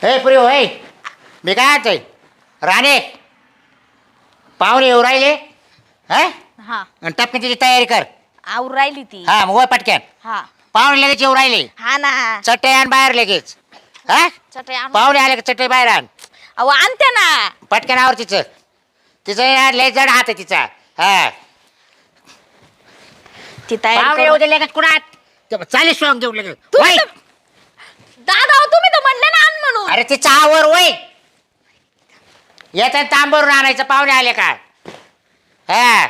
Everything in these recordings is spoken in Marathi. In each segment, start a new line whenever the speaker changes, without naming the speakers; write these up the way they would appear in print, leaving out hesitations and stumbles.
हे पुरी होय मी काय आहे राणे पाहुणे येऊ राहिले हा
हा
आणि टपकी तिची तयारी कर.
आवर राहिली ती.
हा मग वय पटक्यान
हा
पाहुणे लगेच येऊ राहिले.
हा ना.
चटई आण बाहेर लगेच. हा
चटई आण.
पाहुणे आले का चटई बाहेर आण.
अहो आणते ना.
पटक्यान आवर तिचं तिचं लय जड हात आहे तिचा. हा
ती तयारी
पाहुणे
करू.
येऊ दे लगेच कुणात चालीस सॉंग देऊ लगेच
तुम्ही
वय.
तर- दादा अहो, तुम्ही तर म्हणले ना आण म्हणून.
अरे तिचा आवर वय येतात तांबरून आणायचं पाहुणे आले का. हा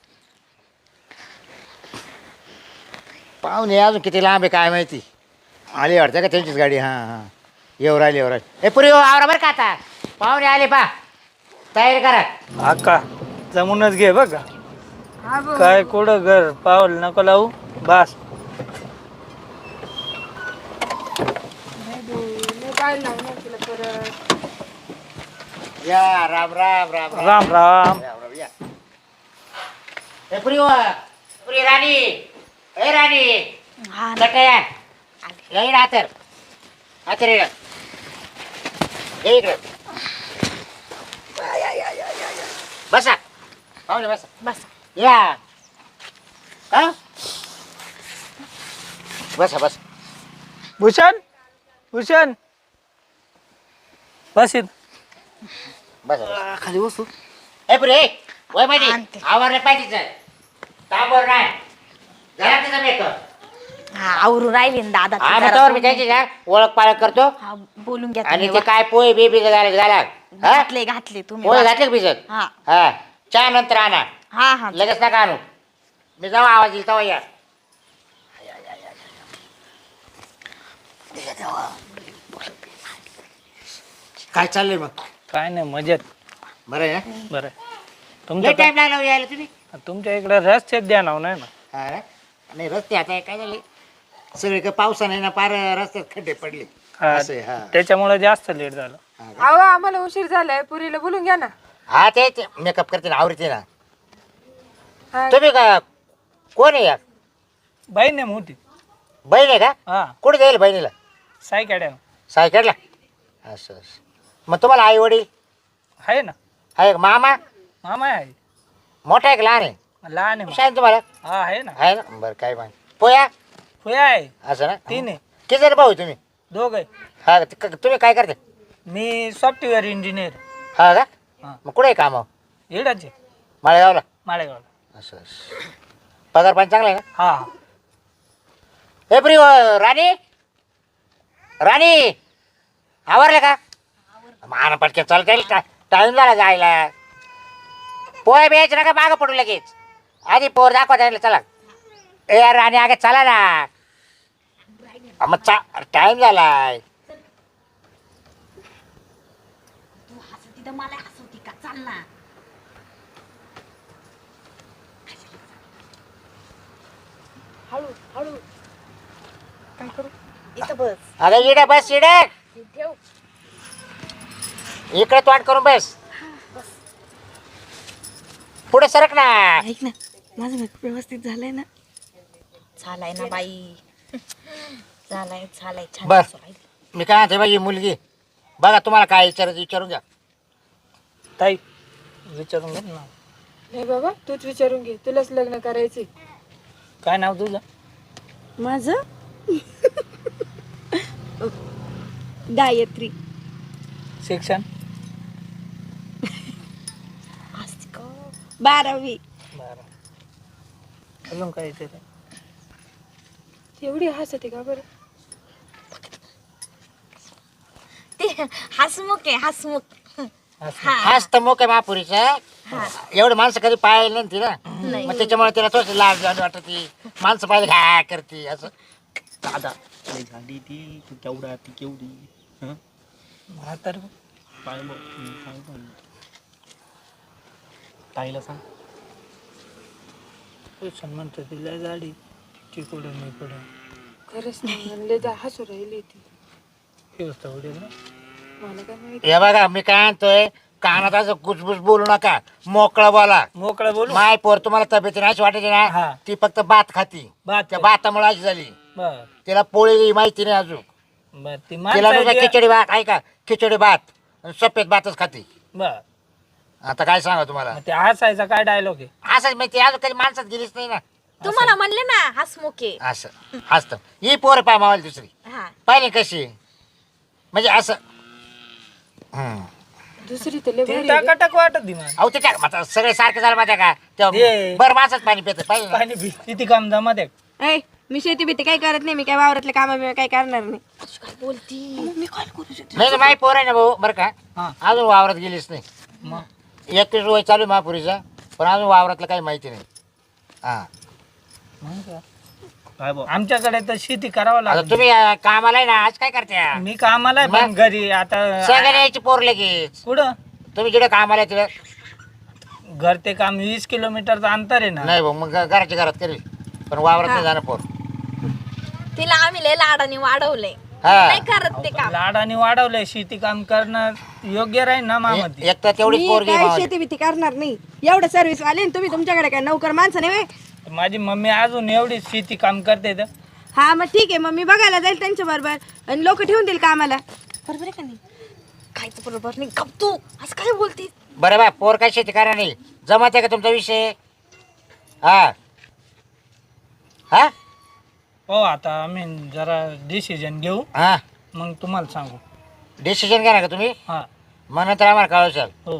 पाहुणे अजून किती लांब आहे काय माहिती. आली वाटतं का त्यांचीच गाडी. हां हां येऊ राहिली येऊ राहिली. हे पुरी आवरा बरं का आता पाहुणे आले पा तयारी करा.
अक्का जमूनच घे बघ काय कुठं घर पाऊल नको लावू बस.
या राम राम राम
राम राम.
या हे पुरी पुरी राणी ए राणी
हा ना.
चटया येई ना हातर हातर ये इकडे बसा पाहुणे बसा
बस
या हा बसा बसा
भूषण भूषण बस इथं.
बसा खाली बसू. ए पुरे वय माहिती
आणते.
आवरलं पाहिजे तांबर नाही जरा तिचा मेकअप.
हा आवरून राहिली ना दादा ती
हा मग
जरा
त्यावर मी त्यांची ना ओळख पाळख करतो.
हा बोलून घ्या
आणि
तुम्ही.
ते काय पोहे बी भिजत घाला हा
घातले घातले तुम्ही.
पोहे घातले का भिजत.
हा
हा चहा नंतर आणा
हा हा
लगेच नका आणू. मी जाऊ आवाज येईल तेव्हा या. काय चाललंय मग
काय नाही मजेत.
बरं आहे ना.
बरं
लय
तुमचं
टाइम लागला हो यायला तुम्ही.
तुमच्या इकडे रस्त्यात द्या नाव नाही ना.
हा ना? नाही रस्ते आता काय झाले सगळे पावसाने ना पार रस्त्यात खड्डे पडले.
हा,
असं आहे, हा.
त्याच्यामुळे जास्त लेट झालं.
हा का?
अहो आम्हाला उशीर झालाय पुरीला बोलून घ्या ना.
हा ते मेकअप करते ना आवडते ना.
हा,
तुम्ही का कोण आहे या
बहीण आहे मोठी.
बहीण आहे का.
हा
कुठे जाईल बहिणीला
सायकड्या
सायकडला. असं असं मग तुम्हाला आई वडील
आहे ना.
आहे का मामा
मामा आहे
मोठा आहे का लहान आहे.
लहान आहे
शाळेत तुम्हाला
हा आहे ना.
आहे ना बरं काय माहिती पोया
होय आहे
असं ना.
3 आहे.
किती जण भाऊ आहे तुम्ही.
दोघ आहे.
हा तुम्ही काय करते.
मी सॉफ्टवेअर इंजिनियर.
हा का
हा
मग कुठे आहे काम
येडाचे
माळेगावला.
माळेगावला.
असं असं पगार पण चांगला आहे ना.
हा हा
हे प्रिय राणी राणी आवरले का मान पटक्यात चालता येईल का टाइम झाला जायला. पोहे बियायचे नका मागं पडू लगेच आधी पोर दाखवा द्यायला चला. ए यार राणी आगे चला ना. मग टाइम झालाय.
मला हसवती का चाल ना.
हळू हळू काय करू.
इथं बस.
अगं इडे बस इडे
हे ठेव.
इकडे तोंड करून बस पुढे सरक ना.
ऐक ना माझं मेकअप व्यवस्थित झालंय ना. झालाय ना बाई. झालाय झालाय छान
बर
दिसू राहिली.
मी काय म्हणते बाई ही मुलगी बघा तुम्हाला काय विचारायचं विचारून घ्या.
ताई विचारून घे ना.
नाही बाबा तूच विचारून घे तुलाच लग्न करायचे.
काय नाव तुझं.
माझं गायत्री.
शिक्षण
12वी.
बरं अजून काय विचार.
एवढी हसते का बरं.
ते हसमुख आहे हसमुख.
हाच तर मोक आहे महापुरीचं. एवढे माणसं कधी पाहिलं नाही तिला मग त्याच्यामुळे तिला थोडस लाज लाज वाटते. माणसं पाहिजे घा करते असं.
दादा लय झाली ती तू केवढा ती केवढी हं?
म्हातार
काय बघ काय बघ ताईला सांग
म्हणतो तिला गाडी ती कुठे मी कुठे
खरंच नाही म्हणले जा हसू राहिली ती.
व्यवस्था होईल ना.
मला काय माहिती.
हे बघा मी काय आणतोय कानात असं कुचबुच बोलू नका मोकळं बोला.
मोकळं बोलू.
माय पोर तुम्हाला तब्येतीने अशी वाटायची
हा.
ना ती फक्त भात खाती.
भात
त्या भातामुळे अशी झाली.
बर
तिला पोळी माहिती नाही अजून
बर ती
तिला नुसतं
माणसं
खिचडी भात ऐका खिचडी भात आणि सफेद भातच खाते.
बर
आता काय सांगा तुम्हाला
मग ते हसायचा काय डायलॉग आहे
असंच माहिती अजून कधी माणसात गेलीच नाही ना.
तुम्हाला म्हणले ना हसमुखे.
असं असतं ही पोर पाय मावाली दुसरी
हा
पाहिली कशी म्हणजे असं
दुसरी तर लय
ती
भारी आहे ग.
टाकाटक वाटत ती मला
अहो त्याच्या आता सगळे सारखे झालं माझ्या का तेव्हा
ये.
बरं माणसाच पाणी पितं पाहिजे ना.
पाणी किती काम जमत आहे.
ऐ मी शेती भीती काही करत नाही. मी काय वावरातले काम काही करणार नाही. काय बोलती मी काय करू शकते.
नाही माही पोर आहे ना भाऊ बरं का
हा
अजून वावरात गेलीच नाही.
मग
31 वय चालू आहे महापुरीचा पण अजून वावरातलं काही माहिती नाही. हा
मग काय?
काय बा
आमच्याकडे तर शेती करावं
आता
लागत.
तुम्ही कामाला आहे ना आज काय करते
मी कामाला आहे पण
मग?
घरी आता
सगळ्या यायची पोर लगेच
कुठं
तुम्ही जिकडे कामाला आहे तिकडे
घर ते काम 20 किलोमीटरचं अंतर आहे ना.
नाही भाऊ मग घराच्या घरात करेल पण वावरात नाही जाणं पोर.
तिला आम्ही लय लाडाने वाढवलंय.
हा.
नाही करत ते काम.
लाडाने वाढवलंय शेती काम करणं योग्य राहील ना मामाती.
एक तर तेवढीच पोरगी
काय
मावाली.
शेती भीती करणार नाही. एवढं सर्व्हिस आले तुम्ही तुमच्याकडे काय नौकर माणसं नाही व्हय?
माझी मम्मी अजून एवढी शेती काम करते तर
हा मग ठीक आहे. मग मी बघायला जाईल त्यांच्या बरोबर आणि लोक ठेवून देईल कामाला. बरोबर आहे का नाही? खायचं बरोबर नाही. गप तू असं काय बोलती.
बरं बा पोर काय शेती करा नाही जमत आहे का तुमचा विषय. हा हा
हो आता आम्ही जरा डिसिजन घेऊ
हा
मग तुम्हाला सांगू.
डिसिजन घ्या ना का तुम्ही
हा
मग नंतर आम्हाला कळवशाल.
हो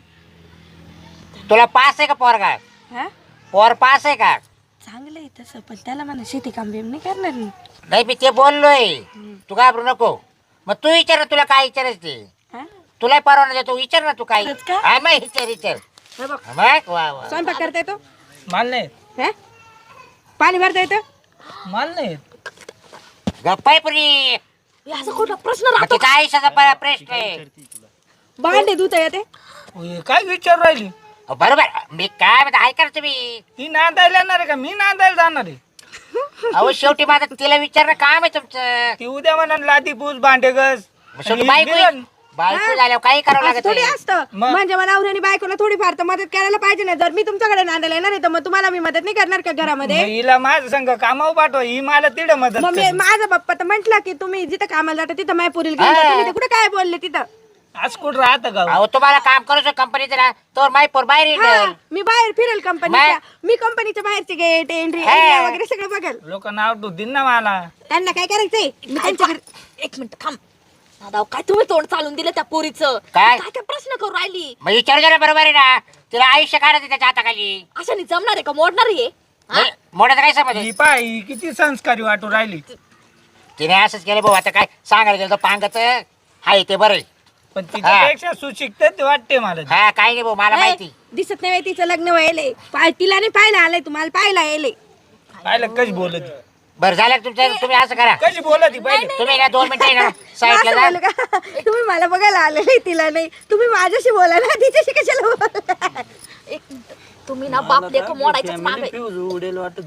तुला पास आहे का पोर का
हा
पोर पास आहे का.
चांगलं आहे तसं पण त्याला म्हणा शेती काम बिम नाही करणार मी.
नाही मी ते बोललोय तू घाबरू नको. मग तू विचार ना तुला काय विचारायचं ते
हा?
तुला परवाना देतो विचार ना तू काय.
खरंच का?
हा मग विचार
हे बघ,
मग वा वा
स्वयंपाक करता येतो.
माल नाही
हा? पाणी भरता येतं.
माल नाही
गप्पाय पुरी
असा कुठला प्रश्न
मग
राहतो.
तिचा आयुष्याचा प्रश्न आहे.
भांडे धुता येते.
हे काय विचार राहिली.
अहो, बरोबर मी काय म्हणतो ऐका ना तुम्ही.
ती नांदायला येणार आहे का मी नांदायला जाणार आहे.
अहो शेवटी माझं तिला विचारणं काम आहे तुमचं.
ती उद्या म्हणा लादी पूस भांडे गस
मग शेवटी बायको झाल्यावर काही करावं
असं
लागत
थोडी
नाही.
असतं.
मग?
म्हणजे मला नवऱ्याने बायकोला थोडीफार तर मदत करायला पाहिजे ना. जर मी तुमच्याकडे नांदायला येणार आहे तर मग तुम्हाला मी मदत नाही करणार का घरामध्ये.
मग हिला माझं संग कामावर पाठवा ही मला तिथं मदत
मग मी
करेल.
माझा बाप्पा तर म्हटला की तुम्ही जिथं कामाला जाता तिथं मायपुरील घेऊन जा. तुम्ही तर कुठं काय बोलले तिथं.
आज कुठं राहतं का
अहो तुम्हाला काम करू कंपनीचं ना तर माई पोर बाहेर
हा,
येईल.
मी बाहेर फिरेल कंपनीच्या. मी कंपनीच्या बाहेरचे गेट एंट्री वगैरे सगळं बघेल.
लोक नाव ठेवतील ना मला.
त्यांना काय करायचंय मी त्यांच्या घरी. एक मिनिट थांब दादा. काय तुम्ही तोंड चालून दिलं त्या पोरीचं.
काय?
काय काय प्रश्न करू राहिली.
मग विचार जरा बरोबर आहे ना तिला आयुष्य काढायचं त्याच्या हाताखाली.
अशाने जमणार आहे का. मोडणार आहे.
मोठ्याचं काय समज
ही पाय ही किती संस्कारी वाटू राहिली.
तिने असंच केलं भाऊ आता काय सांगायला गेलं तर पांगत हाय ते बरं आहे.
पण तिच्यापेक्षा सुशिक्षित वाटते मला ती.
हा काही नाही भाऊ मला माहिती.
दिसत नाही बाई तिचं लग्न व्हायलंय. तिला नाही पाहायला आलंय तुम्हाला पाहायला यायलंय.
पाहिलं कशी बोलत
बरं झालं का तुमचं तुम्ही असं करा
कशी बोलत पहिले.
तुम्ही ना 2 मिनिटं ना साईडला
असं
जा.
बोलू का? तुम्ही मला बघायला आलेले तिला नाही. तुम्ही माझ्याशी बोला ना तिच्याशी कशाला बोला. एक मिनिट. तुम्ही ना बाप लेक मोडायचं मागे
उडेल वाटत.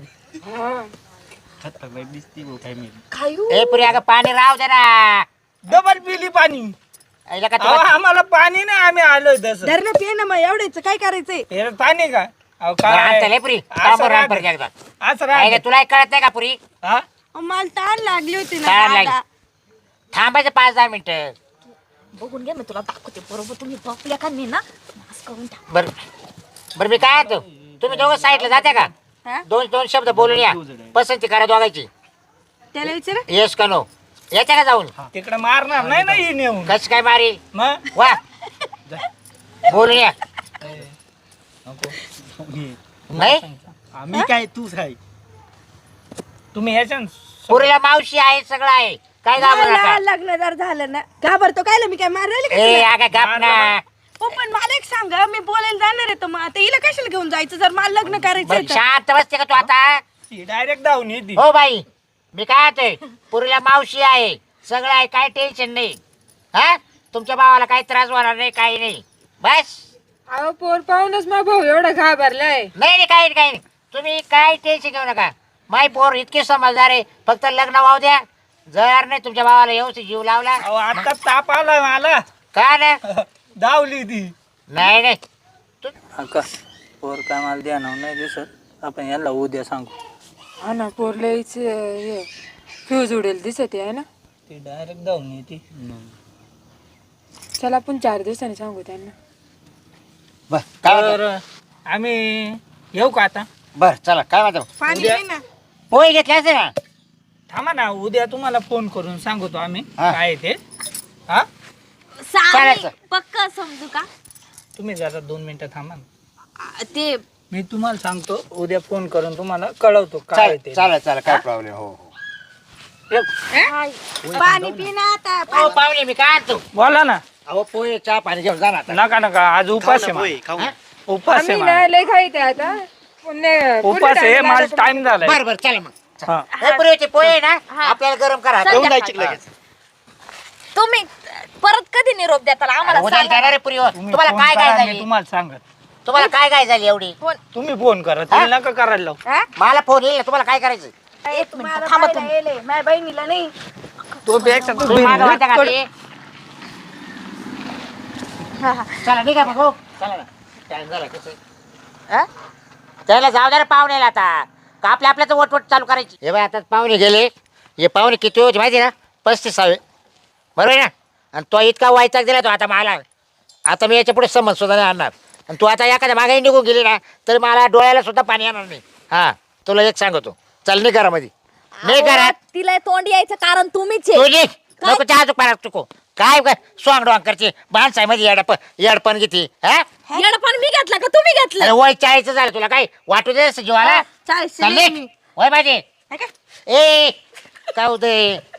खतरनाक दिसती भाऊ काय मी
खायू.
ए पुरी अगं पाणी राव दे ना.
डबल पिली पाणी.
ऐला का
अहो,
तुला
आम्हाला पाणी नाही आम्ही आलोय तसं.
धरणं पिये ना मग एवढेच काय करायचंय.
हे पाणी का अहो
बरं, आणतं लय
काय
पुरी
असं
कामावर राहा
राहतं.
परत एकदा.
असं
ऐला
राहिलं.
तुला कळत नाही का पुरी
हा
मला ताण लागली होती ना
ताण लागली.
दादा.
थांबायचं 5-10 मिनिटं.
बघून घे मी तुला दाखवते बरोबर. तुम्ही बापल्या का नाही ना मास करून टाक.
बरं बरं मी काय म्हणतो तुम्ही दोघं साईडला जाते का
हा?
2 शब्द बोलून या पसंती करा दोघांची.
त्याला विचारा.
येस का नो याच्या का जाऊन
तिकडे मारणार नाही ना ही नेऊन.
कस काय मारी
मग
वा बोलून या. नाही
आम्ही काय तूच आहे
तुम्ही याच्या
पुरीला मावशी आहे सगळं आहे काय घाबरू
मला
नका.
लग्न जर झालं ना घाबरतो काय मी काय मारायला का
ए
तिला?
अगं गप ना.
हो पण मला एक सांगा मी बोलायला जाणार आहे तर मग आता हिला कशाला घेऊन जायचं जर मला लग्न करायचं
बरं, शांत बसते का तू आता.
डायरेक्ट धावून येते.
हो बाई मी काय म्हणतोय पुरीला मावशी आहे सगळं आहे काय टेन्शन नाही. हा तुमच्या भावाला काही त्रास होणार नाही काही नाही बस.
अहो पोर पाहूनच मग भाऊ एवढा घाबरलाय.
नाही नाही काही नाही तुम्ही काय टेन्शन घेऊ नका. माय पोर इतके समजदार आहे फक्त लग्न वाहू द्या. जर नाही तुमच्या भावाला व्यवस्थित जीव लावला
अहो आता ताप आला मला.
का ना
धावली ती.
नाही नाही
का पोर काय मला द्या ना नाही दिसत आपण याला उद्या सांगू.
हा ना पोर लयच फ्यूज उडेल दिसत आहे ना.
ती डायरेक्ट जाऊन येते.
चला आपण 4 दिवसांनी सांगू त्यांना.
बर काय म्हणता?
तर आम्ही येऊ का आता?
बर चला काय म्हणतो
पाणी
उद्या-
दे ना.
पोहे घेतले असते ना.
थांबा ना, उद्या तुम्हाला फोन करून सांगतो आम्ही
हा.
काय आहे ते. हा,
चालायचं.
पक्क समजू का
तुम्ही जरा 2 मिनिटं थांबा ना.
ते
मी तुम्हाला सांगतो, उद्या फोन करून तुम्हाला कळवतो काय आहे ते.
चालेल चालेल काय प्रॉब्लेम हो हो
पाणी पिना आता
हो पाहुणे मी काय आणतो
बोला ना.
अहो पोहे चहा पाणी घेऊन जा ना आता.
नका नका, आज उपास आहे
पोहे,
मला.
खाऊ.
हा?
उपास आहे
आम्ही
मला.
ना लय खायते आता. पुन्हा-
उपास
पुढे
आहे,
time
माझा
लागतो.
टाइम झालाय.
बर बर चला मग
हा.
हे पुरेचे पोहे ना आपल्याला गरम करा
घेऊन जायची लगेच.
तुम्ही परत कधी निरोप देताल आम्हाला
उद्या
सांगा.
जाणार आहे पुरी
तुम्ही
तुम्हाला
फोन
काय
करा,
काय
मी
झाली
तुम्हाला सांगत.
तुम्हाला काय काय झाली एवढी
तुम्ही फोन करा, तिला नका करायला लावू.
हा?
मला फोन येईल ना तुम्हाला काय करायचं
एक मिनिट थांबा तुम्ही. माझ्या बहिणीला नाही
तो पेक्षा तो
तुम्ही मागं वाटता का
बिनधास्त
ते? चला निघा मग हो चला ना टाइम झाला कसं हा? त्याला जाऊ द्या रे पाहुण्याला आता का आपल्या आपल्याच वटवट चालू करायची हे बाय आता पाहुणे गेले हे पाहुणे किती होते माहिती ना 35 बरोबर आहे ना आणि तो इतका वाईचाक दिला तो आता मला आता मी याच्या पुढे समज सुद्धा नाही आणणार आणि तू आता एखाद्या मागे निघून गेली ना तर मला डोळ्याला सुद्धा पाणी येणार नाही हा तुला एक सांगतो चल नाही घरामध्ये नाही
अहो,
घरात
तिला तोंड यायचं कारण तुम्हीच
तू
आहे.
निघ नको चहा चुक पारा चुको काय काय स्वांग डोंग करते माणसामध्ये येडपण किती हा
येडपण मी घेतलं का तुम्ही
अरे
घेतलं
वय 40 झालं तुला काय वाटू दे जीवाला
40
चल निघ. वय माझे
है का?
ए काय होतंय